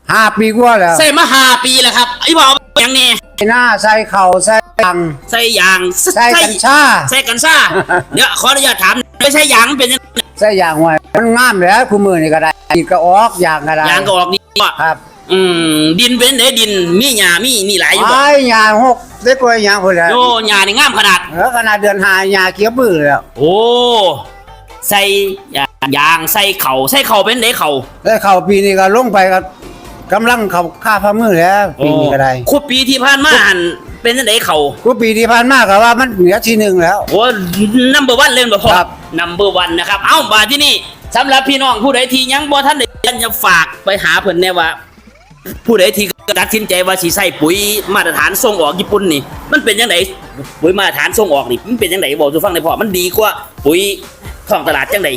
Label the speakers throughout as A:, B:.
A: 5 ปีกว่าแล้ว
B: ใส่มา5 ปีแล้วครับไอ้บอกอย่างนี้
A: หน้าใส่เข่าใส่ยาง
B: ใส่ยาง
A: ใส่กัญชา
B: ใส่กัญชาเดี๋ยวขออนุญาตถามไม่ใช่ยางเป็นยังไง
A: ใส่ยางไว้มันงามแล้วคู่มือนี่ก็ได้อีกก็ออกยางก็ได้
B: ยางก็ออกนี่
A: ครับ
B: ดินเป็นไหนดินมีหญ้ามีหลายอยู่บ่
A: ไอ้หญ้า6ได้กว่าหญ้าพุ่นแล้ว
B: โอ้หญ้านี่งามขนาด
A: ขนาดเดือน5หญ้าเขียวบื้อแล้ว
B: โอ้ใส่ยางใส่เข่าเป็นไหนเข่า
A: ได้เข่าปีนี้ก็ลงไปก็กำลังเข้าค่าฝ่ามือแล้วปีนี้ก็ได้
B: คุปีที่ผ่านมาหันเป็นจังได๋เขา
A: คุปีที่ผ่านมาก็ว่ามันเหนือที่1แล้ว
B: โอ้นัมเบอร์1เล่นบ่พอครับนัมเบอร์1นะครับเอ้ามาที่นี่สำหรับพี่น้องผู้ใดที่ยังบ่ทันได้จะฝากไปหาเพิ่นแน่ว่าผู้ใดที่ตัดสินใจว่าสิใส่ปุ๋ยมาตรฐานส่งออกญี่ปุ่นนี่มันเป็นจังได๋ปุ๋ยมาตรฐานส่งออกนี่มันเป็นจังได๋บอกสู่ฟังได้พอมันดีกว่าปุ๋ยท้องตลาดจังได๋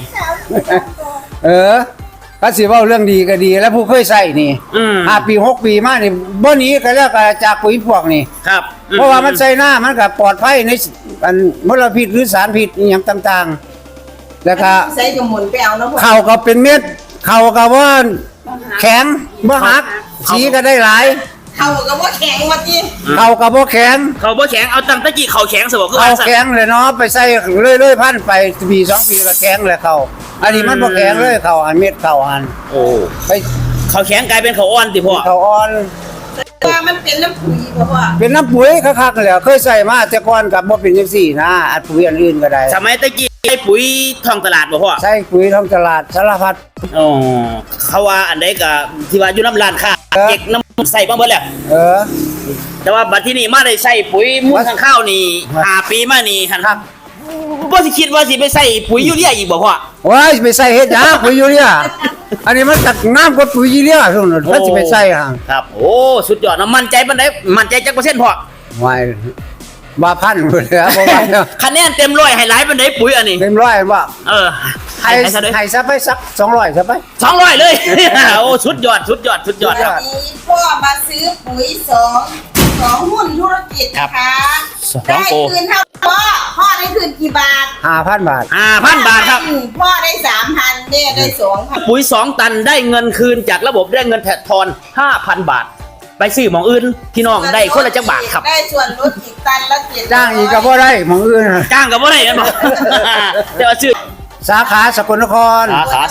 A: ก็สิเว้าเรื่องดีก็ดีแล้วผู้เคยใส่นี่5 ปี 6 ปีมานี่บ่หนีก็แล้วก็จากปุ๋ยพวกนี่
B: ครับ
A: เพราะว่ามันใส่หน้ามันก็ปลอดภัยในมลพิษหรือสารพิษอีหยังต่างๆแล้วก็
C: ใส่กระหมุนไปเอาเนาะ
A: ข้าวก็เป็นเม็ดข้าวก็ว่าแข็งบ่หักสีก็ได้หลาย
C: เขาก็บ่แข็งว่าติ
A: ข้าวก็บ่แข็ง
B: เอาตั้งตะกี้เขาแข็งซะบ่คือ
A: ข้าวแข็งเลยเนาะไปใส่เรื่อยๆพันไปปี2 ปีก็แข็งเลยข้าวอันนี้มันบ่แข็งเลยข้าวอันเม็ดข้าวอัน
B: โอ้
A: ไป
B: เขาแข็งกลายเป็นเขาอ่อนติพ่อ
A: เขาอ่อน
C: ว่ามันเป็นน้ำปุ๋ยบ่พ่อ
A: เป็นน้ำปุ๋ยคักๆแล้วเคยใส่มาแต่ก่อนก็บ่เป็นจังซี่นะอัดปุ๋ยอันอื่นก็ได้
B: สมัยตะกี้ใช้ปุ๋ยท้องตลาดบ่พ่อ
A: ใช้ปุ๋ยท้องตลาดสารพัด
B: อ๋อเขาว่าอันใดก็ที่ว่าอยู่น้ำร้านค้าเก็กน้ำใส่บ้างเบิดแล้วแต่ว่าบัดที่นี่มาได้ใส่ปุ๋ยมูลทางข้าวนี่5 ปีมานี่หั่นครับบ่สิคิดว่าสิไปใส่ปุ๋ยยูเรียอีกบ่พ่อ
A: ว้ายไปใส่เฮ็ดหยังปุ๋ยยูเรียอันนี้มันตักน้ำกว่าปุ๋ยยูเรียซั่นน่ะมันสิไปใส่ห่าง
B: ครับโอ้สุดยอดนะมั่นใจปานใดมั่นใจจักเปอร์เซ็นต์พ่อ
A: ว้ายว่าพันพุ่นแล้วบ่ว่า
B: คะแนนเต็ม100ให้หลายปานใดปุ๋ยอันนี้
A: เต็ม100บ่ให้ซะไปสัก200ซะไป
B: 200เลยโอ้สุดยอดครับ
C: พ่อมาซื้อปุ๋ย2หุ้นธุรกิจนะคะได้คืนเท่าพ่อได้คืนกี่บาท
A: 5,000 บาท
B: 5,000 บาทครับ
C: พ่อได้ 3,000 แม่ได้ 2,000
B: ปุ๋ย2 ตันได้เงินคืนจากระบบได้เงินแทนทอน 5,000 บาทไปซื้อหม่องอื่นพี่น้องได้คนละจักบาทครับ
C: ได้ส่วนลดอีกตันละ700
A: จ้างอีกก็บ่ได้หม่องอื่น
B: จ้างก็บ่ได้กันบ่แต่ว่าชื่อ
A: สาขาสกลนคร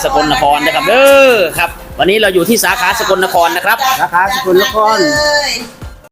B: นะครับเด้อครับวันนี้เราอยู่ที่สาขาสกลนครนะครับ
A: สาขาสกลนคร